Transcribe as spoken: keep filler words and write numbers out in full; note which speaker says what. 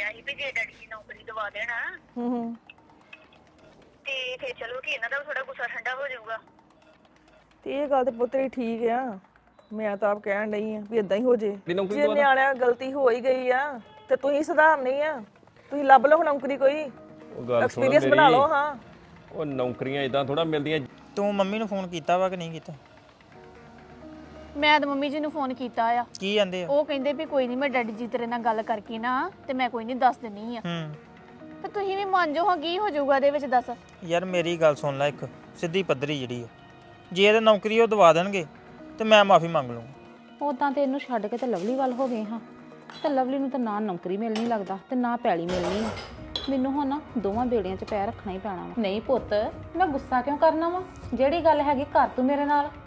Speaker 1: ਡਿਆ ਸੀ ਵੀ ਜੇ ਡੈਡੀ ਦੀ ਨੌਕਰੀ ਦਵਾ ਦੇਣਾ
Speaker 2: ਹੂੰ ਹੂੰ
Speaker 1: ਤੇ ਫੇਰ ਚਲੋ ਕਿ ਇਹਨਾਂ ਦਾ ਥੋੜਾ ਗੁੱਸਾ ਠੰਡਾ ਹੋ ਜਾਊਗਾ।
Speaker 2: ਤੇ ਇਹ ਗੱਲ ਤੇ ਪੁੱਤਰੀ ਠੀਕ ਆ। ਮੈਂ ਤਾਂ ਆਪ ਕਹਿਣ ਡਈ ਆ ਵੀ ਇਦਾਂ ਹੀ ਹੋ ਜੇ।
Speaker 3: ਦੀ ਨੌਕਰੀ
Speaker 2: ਜੇ
Speaker 3: ਦਵਾ ਦਾਂ।
Speaker 2: ਨਿਆਣਿਆਂ ਗਲਤੀ ਹੋ ਹੀ ਗਈ ਆ ਤੇ ਤੁਸੀਂ ਸੁਧਾਰਨੀ ਆ। ਤੁਸੀਂ ਲੱਭ ਲਓ ਨੌਕਰੀ ਕੋਈ,
Speaker 3: ਉਹ ਗੱਲ ਸੁਣ
Speaker 2: ਐਕਸਪੀਰੀਅੰਸ ਬਣਾ
Speaker 3: ਮੇਰੀ
Speaker 2: ਲਓ। ਹਾਂ
Speaker 3: ਉਹ ਨੌਕਰੀਆਂ ਇਦਾਂ ਥੋੜਾ ਮਿਲਦੀਆਂ।
Speaker 4: ਤੂੰ ਮੰਮੀ ਨੂੰ ਫੋਨ ਕੀਤਾ ਵਾ ਕਿ ਨਹੀਂ ਕੀਤਾ?
Speaker 5: ਮੈਂ ਤਾਂ ਮੰਮੀ ਜੀ ਨੂੰ ਫੋਨ ਕੀਤਾ ਆ।
Speaker 4: ਕੀ ਕਹਿੰਦੇ ਆ?
Speaker 5: ਉਹ ਕਹਿੰਦੇ ਵੀ ਕੋਈ ਨਹੀਂ, ਮੈਂ ਡੈਡੀ ਜੀ ਤੇਰੇ ਨਾਲ ਗੱਲ ਕਰਕੇ ਨਾ ਤੇ ਮੈਂ ਕੋਈ ਨਹੀਂ ਦੱਸ ਦਿੰਨੀ ਆ।
Speaker 4: ਹੂੰ
Speaker 5: ਤੇ ਤੁਸੀਂ ਵੀ ਮੰਨ ਜਾਓ ਹਾਂ, ਕੀ ਹੋ ਜਾਊਗਾ ਇਹਦੇ ਵਿੱਚ ਦੱਸ।
Speaker 4: ਯਾਰ ਮੇਰੀ ਗੱਲ ਸੁਣ ਲੈ, ਇੱਕ ਸਿੱਧੀ ਪੱਧਰੀ ਜਿਹੜੀ ਆ, ਜੇ ਇਹਦੇ ਨੌਕਰੀ ਉਹ ਦਵਾ ਦੇਣਗੇ ਤੇ ਮੈਂ ਮਾਫੀ ਮੰਗ ਲੂੰਗਾ।
Speaker 6: ਉਦਾਂ ਤੇ ਇਹਨੂੰ ਛੱਡ ਕੇ ਤੇ ਲਵਲੀ ਵੱਲ ਹੋ ਗਏ ਹਾਂ, ਤੇ ਲਵਲੀ ਨੂੰ ਤਾਂ ਨਾ ਨੌਕਰੀ ਮਿਲਣੀ ਲੱਗਦਾ ਤੇ ਨਾ ਪੈਲੀ ਮਿਲਣੀ। ਮੈਨੂੰ ਹੁਣ ਨਾ ਦੋਵਾਂ ਬੇੜੀਆਂ 'ਚ ਪੈਰ ਰੱਖਣਾ ਹੀ ਪੈਣਾ ਵਾ। ਨਹੀਂ ਪੁੱਤ, ਮੈਂ ਗੁੱਸਾ ਕਿਉਂ ਕਰਨਾ ਵਾ? ਜਿਹੜੀ ਗੱਲ ਹੈਗੀ ਕਰ ਤੂੰ ਮੇਰੇ ਨਾਲ।